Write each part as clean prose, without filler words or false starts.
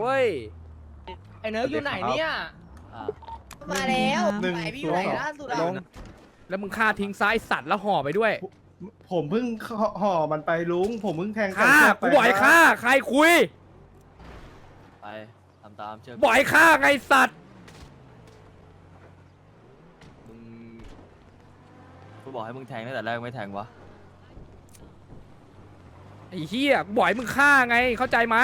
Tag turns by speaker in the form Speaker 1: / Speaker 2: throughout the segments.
Speaker 1: ว้ย
Speaker 2: ไอ้เนิร์กอยู่ไหนเนี่ย
Speaker 3: มาแล้ว
Speaker 4: หนึ่ง
Speaker 3: ไหนพี่อยู่ไหนล่าสุดอะ
Speaker 1: ลงแล้วมึงฆ่าทิ้งซ้ายสัตว์แล้วห่อไปด้วย
Speaker 4: ผมเพิ่งห่อมันไปลุงผมเพิ่งแทง
Speaker 1: ฆ่ากูบ่อยฆ่าใครคุย
Speaker 5: ไปทำตามเชื่อ
Speaker 1: บ่อยฆ่าไงสัตว์
Speaker 5: มึงกูบอกให้มึงแทงตั้งแต่แรกไม่แทงวะ
Speaker 1: ไอ้เหี้ยกูบ่อยมึงฆ่าไงเข้าใจไหม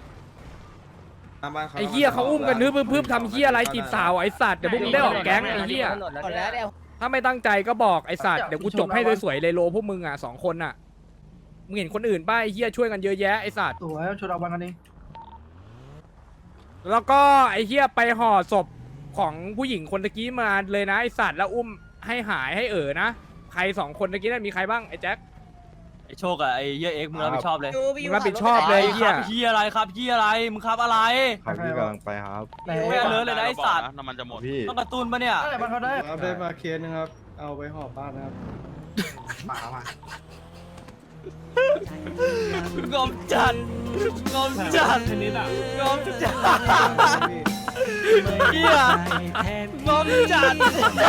Speaker 1: ไอ้เหี้ยเขาอุ้มกันพึ่มทำเหี้ยอะไรจีบสาวไอ้สัตว์เดี๋ยวพวกมึงได้ออกแก๊งไอ้เหี้ย
Speaker 3: หมดแล้วเดี๋ยว
Speaker 1: ถ้าไม่ตั้งใจก็บอกไอ้สัตว์เดี๋ยวกูจบให้สวยๆเลยโลพวกมึงอ่ะ2 คนอ่ะมึงเห็นคนอื่นป่ะไอ้เหี้ยช่วยกันเยอะแยะไอ้สัตว์
Speaker 4: สวยชนเอาบังกันนี้
Speaker 1: แล้วก็ไอ้เหี้ยไปห่อศพของผู้หญิงคนตะกี้มาเลยนะไอ้สัตว์แล้วอุ้มให้หายให้นะใคร2 คนตะกี้นั้นมีใครบ้างไอ้แจ็ค
Speaker 5: ไอ้โชคอะไอ้เหี้ยเอ็กซ์มึงรับผิดชอบเลย
Speaker 1: มึงรับผิดชอบเลย
Speaker 5: ไอ้ครับเหี้ยอะไรครับเหี้ยอะไรมึงครับอะไร
Speaker 6: ครับพี่กำลังไปครับ
Speaker 5: ไม่เอาเลยนะไอ้สัตว์
Speaker 7: น้ำมันจะหมด
Speaker 6: พี่
Speaker 5: ต้องกระตุ้นปะเนี่ย
Speaker 4: ได้มันเขาได้ได้มาเคสนึงครับเอาไปห่อบ้านนะครับ
Speaker 5: งอมจัดงอมจัดงอมจัดเหี้ยงอมจัด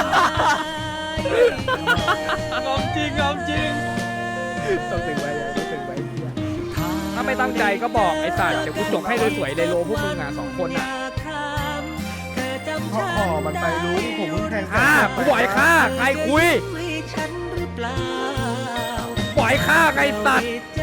Speaker 5: งอมจริงงอมจริง
Speaker 1: ต้องตึงไว้ต้องตึงไว้เหี้ยถ้าไม่ตั้งใจก็บอกไอ้สัตว์เดี๋ยวกูจบให้สวยๆเลยโลพวกมึงอ่ะ2 คนอ่ะ
Speaker 4: ห่อมันไปลุงผมเพิ่งแทง
Speaker 1: ฆ่ากูบ่อยฆ่าใครคุยบ่อยฆ่าไงสัตว์